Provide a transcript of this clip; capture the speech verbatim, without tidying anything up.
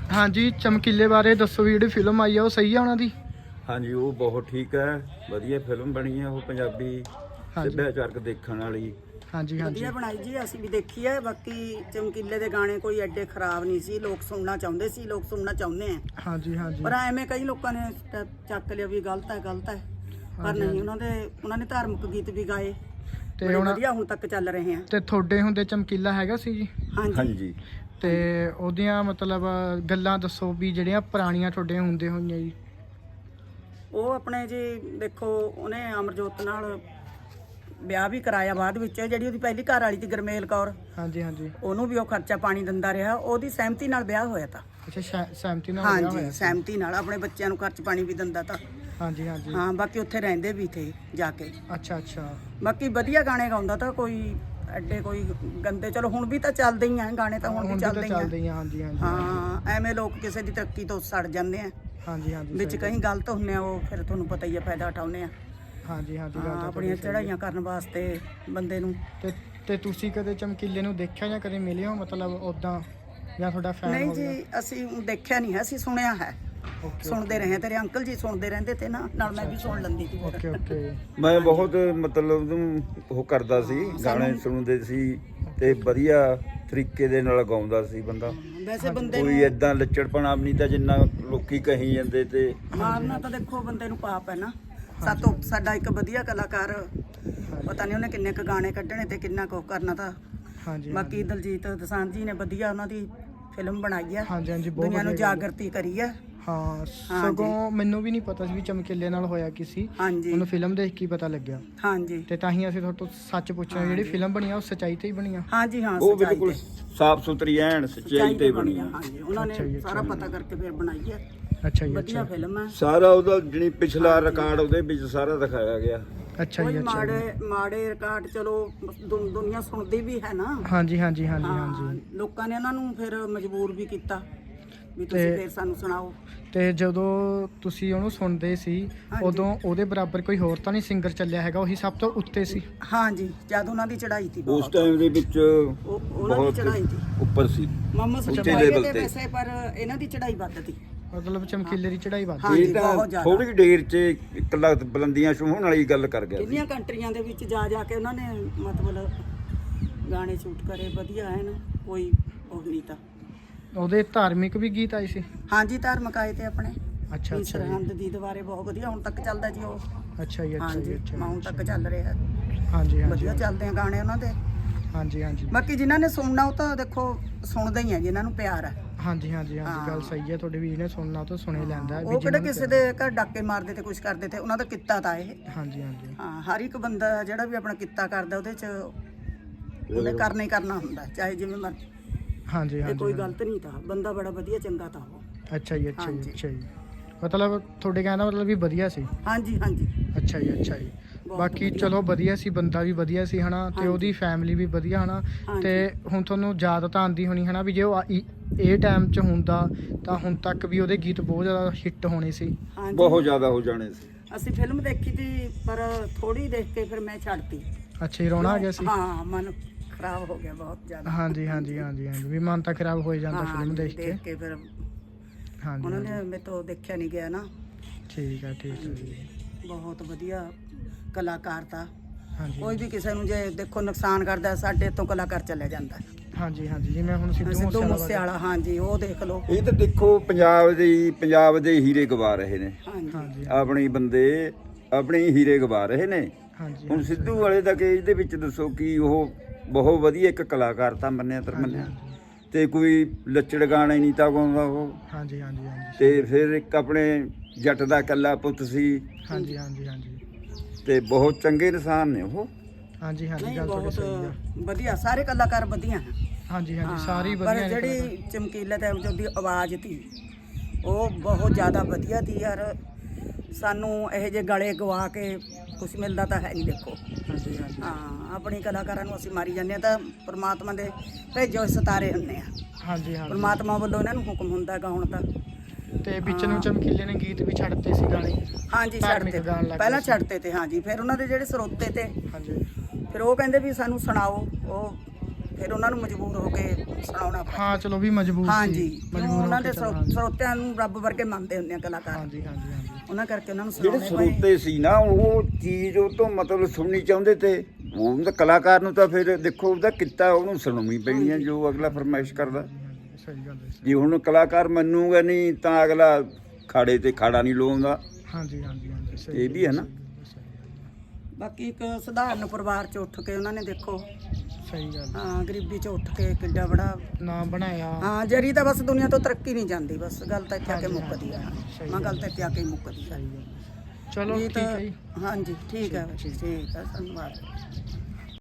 ਹਾਂਜੀ ਚਮਕੀਲੇ ਬਾਰੇ ਦੱਸੋ ਵੀ ਜਿਹੜੀ ਫਿਲਮ ਆਈ ਆ ਉਹ ਸਹੀ ਆ ਉਹਨਾਂ ਦੀ? ਹਾਂਜੀ ਉਹ ਬਹੁਤ ਠੀਕ ਹੈ, ਵਧੀਆ ਫਿਲਮ ਬਣੀ ਹੈ ਉਹ, ਪੰਜਾਬੀ ਸੱਭਿਆਚਾਰਕ ਦੇਖਣ ਵਾਲੀ। ਹਾਂਜੀ ਹਾਂਜੀ ਵਧੀਆ ਬਣਾਈ ਜੀ, ਅਸੀਂ ਵੀ ਦੇਖੀ ਹੈ। ਬਾਕੀ ਚਮਕੀਲੇ ਦੇ ਗਾਣੇ ਕੋਈ ਐਡੇ ਖਰਾਬ ਨਹੀਂ ਸੀ, ਲੋਕ ਸੁਣਨਾ ਚਾਹੁੰਦੇ ਸੀ, ਲੋਕ ਸੁਣਨਾ ਚਾਹੁੰਦੇ ਆ। ਹਾਂਜੀ ਹਾਂਜੀ ਪਰ ਐਵੇਂ ਕਈ ਲੋਕਾਂ ਨੇ ਚ- ਚੱਕ ਲਿਆ ਵੀ ਗਲਤ ਹੈ ਗਲਤ ਹੈ, ਪਰ ਨਹੀਂ, ਉਹਨਾਂ ਦੇ ਉਹਨਾਂ ਨੇ ਧਾਰਮਿਕ ਗੀਤ ਵੀ ਗਾਏ ਤੇ ਬੜੇ ਹੁਣ ਵਧੀਆ ਹੁਣ ਤੱਕ ਚੱਲ ਰਹੇ ਆ। ਤੇ ਤੁਹਾਡੇ ਹੁੰਦੇ ਚਮਕੀਲਾ ਹੈਗਾ ਸੀ ਜੀ? ਹਾਂਜੀ ਹਾਂਜੀ ਤੇ ਉਹਦੀਆਂ ਮਤਲਬ ਗੱਲਾਂ ਦੱਸੋ ਵੀ ਜਿਹੜੀਆਂ ਪੁਰਾਣੀਆਂ ਤੁਹਾਡੇ ਹੁੰਦੇ ਹੋਈਆਂ ਜੀ। ਉਹ ਆਪਣੇ ਜੀ ਦੇਖੋ, ਉਹਨੇ ਅਮਰਜੋਤ ਨਾਲ ਵਿਆਹ ਵੀ ਕਰਾਇਆ ਬਾਅਦ ਵਿੱਚ। ਜਿਹੜੀ ਉਹਦੀ ਪਹਿਲੀ ਘਰ ਵਾਲੀ ਸੀ ਗਰਮੇਲ ਕੌਰ, ਹਾਂਜੀ ਹਾਂਜੀ ਉਹਨੂੰ ਵੀ ਉਹ ਖਰਚਾ ਪਾਣੀ ਦਿੰਦਾ ਰਿਹਾ, ਉਹਦੀ ਸਹਿਮਤੀ ਨਾਲ ਵਿਆਹ ਹੋਇਆ ਤਾਂ। ਅੱਛਾ ਸਹਿ- ਸਹਿਮਤੀ ਨਾਲ ਵਿਆਹ ਹਾਂਜੀ ਹੋਇਆ ਸੀ। ਸਹਿਮਤੀ ਨਾਲ, ਆਪਣੇ ਬੱਚਿਆਂ ਨੂੰ ਖਰਚ ਪਾਣੀ ਵੀ ਦਿੰਦਾ ਤਾਂ। ਹਾਂਜੀ ਹਾਂਜੀ ਹਾਂ ਬਾਕੀ ਉੱਥੇ ਰਹਿੰਦੇ ਵੀ ਥੇ ਜਾ ਕੇ। ਅੱਛਾ ਅੱਛਾ ਬਾਕੀ ਵਧੀਆ ਗਾਣੇ ਗਾਉਂਦਾ ਤਾਂ, ਕੋਈ ਐਡੇ ਕੋਈ ਗੰਦੇ, ਚਲੋ ਹੁਣ ਵੀ ਤਾਂ ਚੱਲਦੇ ਹੀ ਆ ਗਾਣੇ ਤਾਂ, ਹੁਣ ਵੀ ਹੁਣ ਵੀ ਤਾਂ ਚੱਲਦੇ ਹੀ ਚੱਲਦੇ ਆ। ਹੀ ਆ। ਹਾਂਜੀ ਹਾਂਜੀ ਹਾਂ ਐਵੇਂ ਲੋਕ ਕਿਸੇ ਦੀ ਤਰੱਕੀ ਤੋਂ ਸੜ ਜਾਂਦੇ ਆ, ਹਾਂਜੀ ਹਾਂਜੀ ਵਿੱਚ ਸਹੀ। ਕहीं ਗਲਤ ਹੁੰਨੇ ਆ, ਉਹ ਫਿਰ ਤੁਹਾਨੂੰ ਪਤਾ ਹੀ ਆ, ਫਾਇਦਾ ਉਠਾਉਂਦੇ ਆ। ਹਾਂਜੀ ਹਾਂਜੀ ਗੱਲ ਹਾਂ, ਤਾਂ ਆਪਣੀਆਂ ਤੁਹਾਡੀ ਸਹੀ ਚੜਾਈਆਂ ਕਰਨ ਵਾਸਤੇ ਬੰਦੇ ਨੂੰ। ਹੈ। ਤੇ ਤੇ ਤੁਸੀਂ ਕਦੇ ਚਮਕੀਲੇ ਨੂੰ ਦੇਖਿਆ ਜਾਂ ਕਦੇ ਮਿਲੇ ਹੋ ਮਤਲਬ ਉਦਾਂ, ਜਾਂ ਤੁਹਾਡਾ ਫੈਨ ਨਹੀਂ ਹੋ ਗਿਆ? ਜੀ ਅਸੀਂ ਦੇਖਿਆ ਨਹੀਂ ਹੈ, ਅਸੀਂ ਸੁਣਿਆ ਹੈ, ਓਕੇ ਸੁਣਦੇ ਰਹੇ। ਤੇਰੇ ਅੰਕਲ ਜੀ ਸੁਣਦੇ ਰਹਿੰਦੇ ਤੇ ਨਾ, ਨਾਲ ਮੈਂ ਵੀ ਸੁਣ ਲੈਂਦੀ ਸੀ ਫਿਰ। ਓਕੇ ਓਕੇ ਮੈਂ ਬਹੁਤ ਮਤਲਬ ਉਹਨੂੰ ਉਹ ਕਰਦਾ ਸੀ, ਗਾਣੇ ਸੁਣਦੇ ਸੀ ਤੇ ਵਧੀਆ ਤਰੀਕੇ ਦੇ ਨਾਲ ਗਾਉਂਦਾ ਸੀ ਬੰਦਾ। ਵੈਸੇ ਬੰਦੇ ਕੋਈ ਨੂੰ ਏਦਾਂ ਲੱਚੜਪਣਾ ਵੀ ਨਹੀਂ ਤਾਂ ਜਿੰਨਾ ਲੋਕੀ ਕਹੀ ਜਾਂਦੇ। ਤੇ ਮਾਰਨਾ ਤਾਂ ਦੇਖੋ ਬੰਦੇ ਨੂੰ ਪਾਪ ਹੈ ਨਾ। ਸਾਤੋਂ ਸਾਡਾ ਇੱਕ ਵਧੀਆ ਕਲਾਕਾਰ, ਪਤਾ ਨਹੀਂ ਉਹਨੇ ਕਿੰਨੇ ਕ ਗਾਣੇ ਕੱਢਣੇ ਤੇ ਕਿੰਨਾ ਕੁ ਕਰਨਾ ਤਾਂ। ਹਾਂਜੀ ਬਾਕੀ ਦਲਜੀਤ ਦੋਸਾਂਝ ਜੀ ਨੇ ਵਧੀਆ ਉਹਨਾਂ ਦੀ ਫਿਲਮ ਬਣਾਈ ਹੈ, ਹਾਂਜੀ ਹਾਂਜੀ ਬਹੁਤ ਦੁਨੀਆ ਨੂੰ ਵਧੀਆ ਗੱਲ ਹੈ। ਜਾਗਰਤੀ ਕਰੀ ਹੈ। ਹਾਂ ਸਗੋਂ ਮੈਨੂੰ ਵੀ ਨਹੀਂ ਪਤਾ ਸੀ ਵੀ ਚਮਕੀਲੇ ਨਾਲ ਹੋਇਆ ਕੀ ਸੀ, ਹਾਂਜੀ ਮੈਨੂੰ ਫਿਲਮ ਦੇਖ ਕੇ ਹੀ ਪਤਾ ਲੱਗਿਆ। ਹਾਂਜੀ ਤੇ ਤਾਂ ਹੀ ਅਸੀਂ ਤੁਹਾਡੇ ਤੋਂ ਸੱਚ ਪੁੱਛਣਾ, ਜਿਹੜੀ ਫਿਲਮ ਬਣੀ ਆ ਉਹ ਸੱਚਾਈ ਤੇ ਹੀ ਬਣੀ ਆ? ਹਾਂਜੀ ਹਾਂ ਉਹ ਸੱਚਾਈ ਬਿਲਕੁਲ ਤੇ। ਸਾਫ ਸੁਥਰੀ ਐਨ ਸੱਚਾਈ ਤੇ ਬਣੀ ਆ, ਹੈ। ਹਾਂਜੀ ਉਹਨਾਂ ਅੱਛਾ ਜੀ, ਨੇ ਅੱਛਾ ਸਾਰਾ ਪਤਾ ਕਰਕੇ ਫਿਰ ਬਣਾਈ ਹੈ। ਅੱਛਾ ਜੀ ਵਧੀਆ ਅੱਛਾ ਫਿਲਮ ਹੈ। ਸਾਰਾ ਉਹਦਾ ਜਿਹੜੀ ਪਿਛਲਾ ਰਿਕਾਰਡ ਉਹਦੇ ਵਿੱਚ ਸਾਰਾ ਦਿਖਾਇਆ ਗਿਆ। ਅੱਛਾ ਜੀ ਕੋਈ ਅੱਛਾ ਜੀ। ਮਾੜੇ ਮਾੜੇ ਰਿਕਾਰਡ ਚਲੋ ਦੁ- ਦੁਨੀਆ ਸੁਣਦੀ ਵੀ ਹੈ ਨਾ। ਹਾਂਜੀ ਹਾਂਜੀ ਹਾਂਜੀ ਹਾਂ, ਹਾਂਜੀ ਲੋਕਾਂ ਨੇ ਉਹਨਾਂ ਨੂੰ ਫਿਰ ਮਜਬੂਰ ਵੀ ਕੀਤਾ ਵੀ ਤੁਸੀਂ ਤੇ- ਫਿਰ ਸਾਨੂੰ ਸੁਣਾਓ। ਤੇ ਜਦੋਂ ਤੁਸੀਂ ਉਹਨੂੰ ਸੁਣਦੇ ਸੀ ਹਾਂਜੀ। ਉਦੋਂ ਉਹਦੇ ਬਰਾਬਰ ਕੋਈ ਹੋਰ ਤਾਂ ਨਹੀਂ ਸਿੰਗਰ ਚੱਲਿਆ ਹੈਗਾ, ਉਹੀ ਸਭ ਤੋਂ ਉੱਤੇ ਸੀ? ਹਾਂਜੀ ਜਦ ਉਹਨਾਂ ਦੀ ਚੜਾਈ ਸੀ ਉਸ ਬਹੁਤ, ਟਾਈਮ ਦੇ ਵਿੱਚ ਉਹ- ਉਹਨਾਂ ਦੀ ਬਹੁਤ ਚੜਾਈ ਸੀ ਉੱਪਰ ਸੀ। ਮੁਹੰਮਦ ਉੱਚੇ ਸ਼ਫੀ level ਦੇ ਤੇ। ਵੈਸੇ, ਪਰ ਇਹਨਾਂ ਦੀ ਚੜਾਈ ਵੱਧ ਸੀ। ਮਤਲਬ ਚਮਕੀਲੇ ਦੀ ਚੜਾਈ ਵੱਧ? ਹਾਂਜੀ, ਇਹ ਤਾਂ ਬਹੁਤ ਜ਼ਿਆਦਾ। ਥੋੜੀ ਦੇਰ 'ਚ ਇੱਕ ਲੱਖ ਬੁਲੰਦੀਆਂ ਛੂਹਣ ਵਾਲੀ ਗੱਲ ਕਰ ਗਿਆ ਸੀ। ਕਿੰਨੀਆਂ ਕੰਟਰੀਆਂ ਦੇ ਵਿੱਚ ਜਾ ਜਾ ਕੇ ਉਹਨਾਂ ਨੇ ਮਤਲਬ ਗਾਣੇ ਸ਼ੂਟ ਕਰੇ, ਵਧੀਆ ਹੈ ਨਾ, ਕੋਈ ਉਹ ਨਹੀਂ ਤਾਂ। ਉਹਦੇ ਧਾਰਮਿਕ ਵੀ ਗੀਤ ਆਏ ਸੀ? ਹਾਂਜੀ ਧਾਰਮਿਕ ਆਏ ਤੇ ਆਪਣੇ ਅੱਛਾ ਵੀ ਅੱਛਾ ਜੀ ਸਰਹੰਦ ਦੀ ਦੁਆਰੇ ਬਹੁਤ ਵਧੀਆ ਹੁਣ ਤੱਕ ਚੱਲਦਾ ਜੀ ਉਹ। ਅੱਛਾ ਜੀ ਅੱਛਾ ਜੀ ਹਾਂਜੀ ਅੱਛਾ ਹੁਣ ਜੀ, ਤੱਕ ਚੱਲ ਰਿਹਾ, ਹਾਂਜੀ ਹਾਂਜੀ ਵਧੀਆ ਚੱਲਦੇ ਆ ਗਾਣੇ ਉਹਨਾਂ ਦੇ। ਹਾਂਜੀ ਹਾਂਜੀ ਬਾਕੀ ਜਿਨ੍ਹਾਂ ਨੇ ਸੁਣਨਾ ਉਹ ਤਾਂ ਦੇਖੋ ਸੁਣਦੇ ਹੀ ਆ, ਜਿਨ੍ਹਾਂ ਨੂੰ ਪਿਆਰ ਹੈ। ਹਾਂਜੀ ਹਾਂਜੀ ਹਾਂਜੀ ਗੱਲ ਹਾਂ। ਸਹੀ ਹੈ ਤੁਹਾਡੇ ਵੀਰ ਨੇ ਸੁਣਨਾ ਤਾਂ ਸੁਣੇ ਲੈਂਦਾ ਵੀ ਉਹ ਕਿਹੜਾ ਜਿਹਨਾਂ ਨੂੰ ਕਿਸੇ ਦੇ ਘਰ ਡਾਕੇ ਮਾਰਦੇ ਤੇ ਕੁਝ ਕਰਦੇ ਤੇ, ਉਹਨਾਂ ਦਾ ਕਿੱਤਾ ਤਾਂ ਇਹ। ਹਾਂਜੀ ਹਾਂਜੀ ਹਾਂ ਹਰ ਇੱਕ ਬੰਦਾ ਜਿਹੜਾ ਵੀ ਆਪਣਾ ਕਿੱਤਾ ਕਰਦਾ ਉਹਦੇ ਚ ਉਹਨੇ ਕਰਨਾ ਹੀ ਕਰਨਾ ਹੁੰਦਾ, ਚਾਹੇ ਜਿਵੇਂ ਮਰਜ਼ੀ। ਹਾਂਜੀ ਇਹ ਹਾਂਜੀ ਕੋਈ ਹਾਂਜੀ। ਗਲਤ ਨਹੀਂ ਤਾਂ, ਬੰਦਾ ਬੜਾ ਵਧੀਆ ਚੰਗਾ ਤਾਂ ਉਹ। ਅੱਛਾ ਜੀ ਅੱਛਾ ਜੀ ਹਾਂਜੀ। ਅੱਛਾ ਜੀ ਮਤਲਬ ਤੁਹਾਡੇ ਕਹਿਣ ਦਾ ਮਤਲਬ ਵੀ ਵਧੀਆ ਸੀ? ਹਾਂਜੀ ਹਾਂਜੀ ਅੱਛਾ ਜੀ ਅੱਛਾ ਜੀ ਬਹੁਤ ਬਾਕੀ ਵਧੀਆ। ਚਲੋ ਵਧੀਆ ਸੀ, ਬੰਦਾ ਵੀ ਵਧੀਆ ਸੀ ਹਨਾ, ਤੇ ਹਾਂਜੀ। ਉਹਦੀ ਫੈਮਿਲੀ ਵੀ ਵਧੀਆ ਹਨਾ। ਹਾਂਜੀ। ਤੇ ਹੁਣ ਤੁਹਾਨੂੰ ਯਾਦ ਤਾਂ ਆਉਂਦੀ ਹੋਣੀ ਹਨਾ ਵੀ ਜੇ ਉਹ ਆ- ਇ- ਇਹ ਟਾਈਮ 'ਚ ਹੁੰਦਾ ਤਾਂ ਹੁਣ ਤੱਕ ਵੀ ਉਹਦੇ ਗੀਤ ਬਹੁਤ ਜ਼ਿਆਦਾ ਹਿੱਟ ਹੋਣੇ ਸੀ। ਹਾਂਜੀ ਬਹੁਤ ਜ਼ਿਆਦਾ ਹੋ ਜਾਣੇ ਸੀ। ਅਸੀਂ ਫਿਲਮ ਦੇਖੀ ਤੀ, ਪਰ ਥੋੜੀ ਦੇਖ ਕੇ ਫਿਰ ਮੈਂ ਛੱਡਤੀ। ਅੱਛਾ ਜੀ ਰੋਣਾ ਆ ਗਿਆ ਸੀ? ਹਾਂ ਮਨ ਖਰਾਬ ਹੋ ਗਿਆ ਬਹੁਤ ਜ਼ਿਆਦਾ। ਹਾਂਜੀ ਹਾਂਜੀ ਹਾਂਜੀ ਹਾਂਜੀ ਵੀ ਮਨ ਤਾਂ ਖਰਾਬ ਹੋ ਹੀ ਜਾਂਦਾ ਹਾਂ, ਫਿਲਮ ਦੇਖ ਕੇ। ਦੇਖ ਕੇ ਫਿਰ ਹਾਂਜੀ ਉਹਨਾਂ ਹਾਂਜੀ, ਨੇ ਮੇਰੇ ਤੋਂ ਦੇਖਿਆ ਨਹੀਂ ਗਿਆ ਨਾ। ਠੀਕ ਹੈ ਠੀਕ ਹੈ ਜੀ। ਬਹੁਤ ਵਧੀਆ ਕਲਾਕਾਰ ਤਾਂ, ਹਾਂਜੀ ਕੋਈ ਵੀ ਕਿਸੇ ਨੂੰ ਜੇ ਦੇਖੋ ਨੁਕਸਾਨ ਕਰਦਾ, ਸਾਡੇ ਤੋਂ ਕਲਾਕਾਰ ਚੱਲਿਆ ਜਾਂਦਾ। ਹਾਂਜੀ ਹਾਂਜੀ ਜਿਵੇਂ ਹੁਣ ਸਿੱਧੂ ਸਿੱਧੂ ਮੂਸੇਵਾਲਾ ਮੂਸੇਵਾਲਾ, ਹਾਂਜੀ ਉਹ ਦੇਖ ਲਓ। ਇਹ ਤਾਂ ਦੇਖੋ ਪੰਜਾਬ ਦੇ ਪੰਜਾਬ ਦੇ ਹੀਰੇ ਗਵਾ ਰਹੇ ਨੇ, ਹਾਂਜੀ ਹਾਂਜੀ ਆਪਣੀ ਬੰਦੇ ਆਪਣੇ ਹੀਰੇ ਗਵਾ ਰਹੇ ਨੇ। ਹਾਂਜੀ ਹੁਣ ਸਿੱਧੂ ਵਾਲੇ ਦਾ ਕੇਸ ਦੇ ਵਿੱਚ ਦੱਸੋ ਕਿ ਉਹ ਬਹੁਤ ਵਧੀਆ ਇੱਕ ਕਲਾਕਾਰ ਤਾਂ ਮੰਨਿਆ ਤਰ ਮੰਨਿਆ, ਤੇ ਕੋਈ ਲੱਚੜ ਗਾਣੇ ਨਹੀਂ ਤਾਂ ਗਾਉਂਦਾ ਉਹ। ਹਾਂਜੀ ਹਾਂਜੀ ਹਾਂਜੀ ਤੇ ਫਿਰ ਇੱਕ ਆਪਣੇ ਜੱਟ ਦਾ ਇਕੱਲਾ ਪੁੱਤ ਸੀ, ਹਾਂਜੀ ਹਾਂਜੀ ਹਾਂਜੀ ਤੇ ਬਹੁਤ ਚੰਗੇ ਇਨਸਾਨ ਨੇ ਉਹ। ਹਾਂਜੀ ਹਾਂਜੀ ਨਹੀਂ ਗੱਲ ਤੁਹਾਡੀ ਬਹੁਤ ਸਹੀ ਆ। ਵਧੀਆ, ਸਾਰੇ ਕਲਾਕਾਰ ਵਧੀਆ ਹੈ। ਹਾਂਜੀ ਹਾਂਜੀ ਹਾਂ, ਸਾਰੀ ਪਰ ਵਧੀਆ ਨੇ ਜਿਹੜੀ ਚਮਕੀਲੇ ਤੇ ਉਹਦੀ ਆਵਾਜ਼ ਤੀ ਉਹ ਬਹੁਤ ਜ਼ਿਆਦਾ ਵਧੀਆ ਤੀ ਯਾਰ। ਸਾਨੂੰ ਇਹੋ ਜਿਹੇ ਗਲੇ ਗਵਾ ਕੇ ਕੁਝ ਮਿਲਦਾ ਤਾਂ ਹੈ ਨਹੀਂ ਦੇਖੋ। ਹਾਂਜੀ ਹਾਂਜੀ ਹਾਂ ਆਪਣੀ ਕਲਾਕਾਰਾਂ ਨੂੰ ਅਸੀਂ ਮਾਰੀ ਜਾਂਦੇ ਹਾਂ, ਤਾਂ ਪ੍ਰਮਾਤਮਾ ਦੇ ਭੇਜੋ ਸਿਤਾਰੇ ਹੁੰਦੇ ਆ। ਹਾਂਜੀ ਹਾਂਜੀ ਪ੍ਰਮਾਤਮਾ ਵੱਲੋਂ ਇਹਨਾਂ ਨੂੰ ਹੁਕਮ ਹੁੰਦਾ ਗਾਉਣ ਦਾ। ਤੇ ਵਿੱਚ ਨੂੰ ਚਮਕੀਲੇ ਨੇ ਗੀਤ ਵੀ ਛੱਡਤੇ ਸੀ ਗਾਣੇ? ਹਾਂਜੀ ਧਾਰਮਿਕ ਛੱਡਤੇ, ਗਾਣ ਲੱਗ ਪਹਿਲਾਂ ਗਏ ਸੀ। ਛੱਡਤੇ ਤੇ ਹਾਂਜੀ, ਫਿਰ ਉਹਨਾਂ ਦੇ ਜਿਹੜੇ ਸਰੋਤੇ ਤੇ ਹਾਂਜੀ ਫਿਰ ਉਹ ਕਹਿੰਦੇ ਵੀ ਸਾਨੂੰ ਸੁਣਾਓ। ਉਹ ਫਿਰ ਉਹਨਾਂ ਨੂੰ ਮਜਬੂਰ ਹੋ ਕੇ ਸੁਣਾਉਣਾ ਪਿਆ। ਹਾਂ ਚਲੋ ਵੀ ਮਜਬੂਰ ਸੀ ਹਾਂਜੀ ਮਜਬੂਰ ਕਿਉਂ ਹੋ ਉਹਨਾਂ ਕੇ ਦੇ ਚੱਲਣਾ, ਸਰੋ- ਹਾਂਜੀ। ਸਰੋਤਿਆਂ ਨੂੰ ਰੱਬ ਵਰਗੇ ਮੰਨਦੇ ਹੁੰਦੇ ਆ ਕਲਾਕਾਰ, ਹਾਂਜੀ ਹਾਂਜੀ ਹਾਂਜੀ ਉਹਨਾਂ ਕਰਕੇ ਉਹਨਾਂ ਨੂੰ ਜਿਹੜੇ ਸੁਣਾਉਣੇ ਪਏ। ਸਰੋਤੇ ਸੀ ਨਾ ਉਹ ਚੀਜ਼ ਉਹ ਤੋਂ ਮਤਲਬ ਸੁਣਨੀ ਚਾਹੁੰਦੇ ਤੇ ਉਹ ਤਾਂ ਕਲਾਕਾਰ ਨੂੰ ਤਾਂ ਫਿਰ ਦੇਖੋ ਉਹਦਾ ਕਿੱਤਾ ਉਹਨੂੰ ਸੁਣਾਉਣੀ ਪੈਣੀ ਹੈ ਜੋ ਅਗਲਾ ਫਰਮਾਇਸ਼ ਕਰਦਾ। ਸਹੀ ਗੱਲ ਹੈ ਜੇ ਹੁਣ ਕਲਾਕਾਰ ਮੰਨੂਗਾ ਨਹੀਂ ਤਾਂ ਅਗਲਾ ਖਾੜੇ ਤੇ ਖਾੜਾ ਨਹੀਂ ਲਾਉਂਦਾ। ਹਾਂਜੀ ਹਾਂਜੀ ਹਾਂਜੀ ਸਹੀ ਇਹ ਵੀ ਹੈ ਨਾ। ਬਾਕੀ ਇੱਕ ਸਧਾਰਨ ਪਰਿਵਾਰ ਚ ਉੱਠ ਕੇ ਉਹਨਾਂ ਨੇ ਦੇਖੋ ਸਹੀ ਗੱਲ ਹਾਂ ਗਰੀਬੀ ਚ ਉੱਠ ਕੇ ਕਿੱਡਾ ਬੜਾ ਨਾਮ ਬਣਾਇਆ। ਹਾਂ ਜਰੀ ਤਾਂ ਬਸ ਦੁਨੀਆ ਤੋਂ ਤਰੱਕੀ ਨਹੀਂ ਜਾਂਦੀ, ਬਸ ਗੱਲ ਤਾਂ ਇੱਥੇ ਆ ਕੇ ਹਾਂਜੀ, ਮੁੱਕਦੀ ਆ। ਸਹੀ ਮੈਂ ਗੱਲ ਤਾਂ ਇੱਥੇ ਆ ਕੇ ਮੁੱਕਦੀ ਆ। ਸਹੀ ਗੱਲ ਹੈ। ਚਲੋ ਇਹ ਠੀਕ ਤਾਂ ਹੈ ਜੀ। ਹਾਂਜੀ ਠੀਕ ਹੈ ਠੀਕ ਹੈ ਧੰਨਵਾਦ।